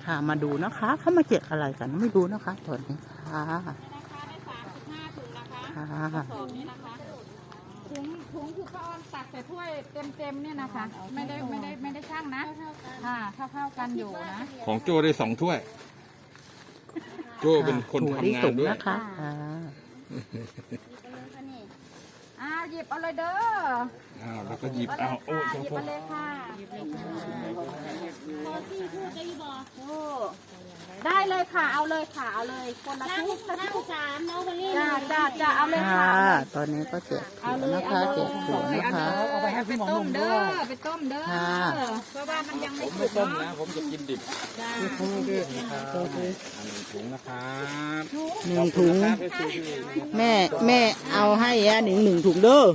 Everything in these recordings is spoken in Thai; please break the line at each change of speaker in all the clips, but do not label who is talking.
ค่ะมาดูนะคะเขามาเก็บอะไรกันไม่รู้นะคะตอนนี้ค่ะ
ได้35 ถุงนะคะกระสอบนี้นะคะถุงคือป้าออนตักใส่ถ้วยเต็มเนี่ยนะคะ ไม่ได้ช่างนะค่ะเท่ากันอยู่นะ
ของโจ้ได้2 ถ้วยโจ้เป็นคนทำงานด้วย
นะคะ
หยิบเอาเลยเด้อ
แล้วก็หยิบเอาโอ้
หยิบเอาเลยค่ะพอที่พูดได้บอกได้เลยค่ะเอาเลยค่ะเอาเลยคนละทุก3น้องคนนี้จะเอาเลยค่ะ
ตอนนี้ก็เจ็บนะคะเจ็บหัวนะคะ
เอาไปให้พี่หมอหนุ่มด้วยไปต้มเด้อเพราะว่ามันยังไม่สุก
ต้มนะผมจะกินดิบถุงนะครับ
1 ถุงแม่เอาให้1 ถุงเด้อ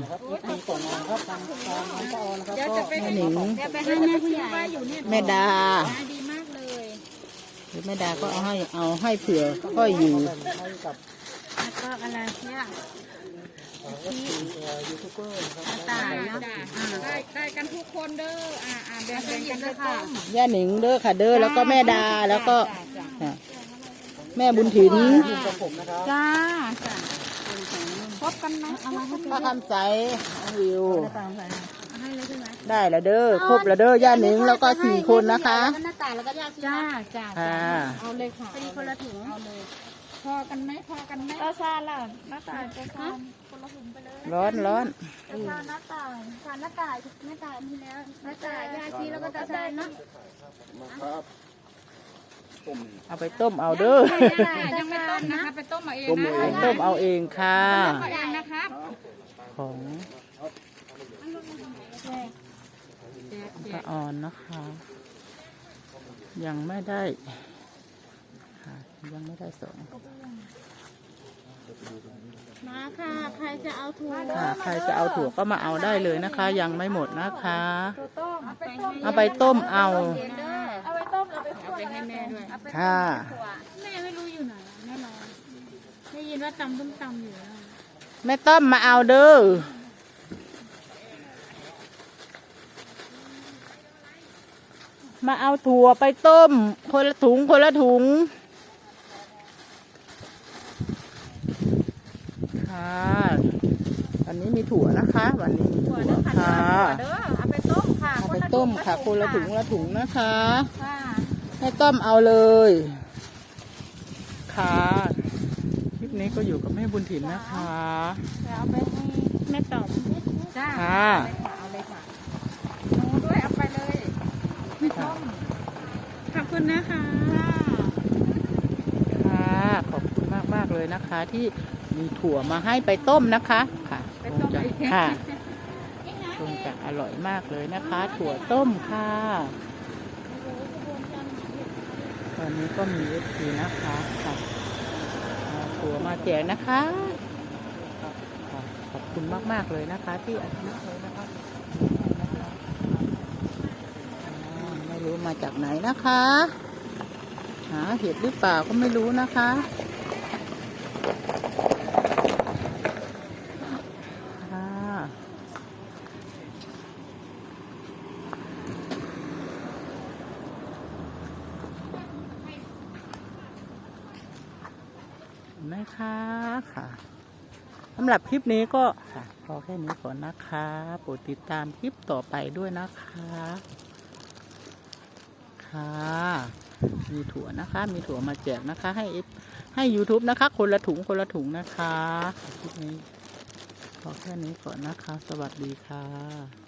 เดี๋ยวจะไปให้แม่ผู้ใหญ่อยู่เนี่ย
แม่ดา
ดีมากเลย
แม่ดาก็เอาให้เผื่อค่อยอยู่
แล้วก็อะไรเนี่ยยูทูบเบอร์ตายนะได้กันทุกคนเด้อแบ่งกันเลยค่ะ
ย่าหนิงเด้อค่ะเด้อแล้วก็แม่ดาแล้วก็แม่บุญถิน
จ้าพบกันไหม
ป้าคำใสวิวได้แล้วเด้อครบแล้วเด้อย่าหนิงแล้วก็4 คนนะคะ
หน้าตาแล้วก็จ้าเอาเลยค่ะตีคนละถุงเอาเลยพอกันไหมก็ซาล่ะหน้าตาจะซาคนละถุงไปเลย
ร้อน
ซาหน้าตามีแล้วหน้าตายาชีแล้วก็จะซาเนาะ
เอาไปต้มเอาเด้อ
ยังไม่ต้มนะคะไปต้มเอาเอง
ต้มเอาเองค่ะ
ต้มเองนะครับ
ของป้าออนนะคะยังไม่ได้ส่ง
มาค่ะใครจะเอาถั่ว
ก็มาเอาได้เลยนะคะยังไม่หมดนะคะเอาไปต้มเอา
ไปให้แม่ด้วย
ค่ะ
แม่ไม่รู้อยู่ไหนแม่รอได้ยินว่าตำอยู่
แม่ต้มมาเอาเด้อมาเอาถั่วไปต้มคนละถุงค่ะวันนี้มีถั่วนะคะวันนี้มีถั่วค่ะ
เอาไปต้มค่ะ
คนละถุงนะคะให้ต้มเอาเลยค่ะคลิปนี้ก็อยู่กับแม่บุญถิ่นนะคะ
เอาไปให้แม่ตอบจ้าเอาเลยค่ะหนูด้วยเอาไปเลยไม่ต้มขอบคุณนะคะ
ขอบคุณมากเลยนะคะที่มีถั่วมาให้ไปต้มนะคะค่ะคงจะอร่อยมากเลยนะคะถั่วต้มค่ะตอนนี้ก็มีFCนะคะค่ะถั่วมาแจกนะคะขอบคุณมากเลยนะคะที่อนุโมทนาเลยนะคะไม่รู้มาจากไหนนะคะหาเห็ดหรือเปล่าก็ไม่รู้นะคะนะคะค่ะสำหรับคลิปนี้ก็พอแค่นี้ก่อนนะคะโปรดติดตามคลิปต่อไปด้วยนะคะค่ะมีถั่วนะคะมีถั่วมาแจกนะคะให้ YouTube นะคะคนละถุงนะคะคลิปนี้พอแค่นี้ก่อนนะคะสวัสดีค่ะ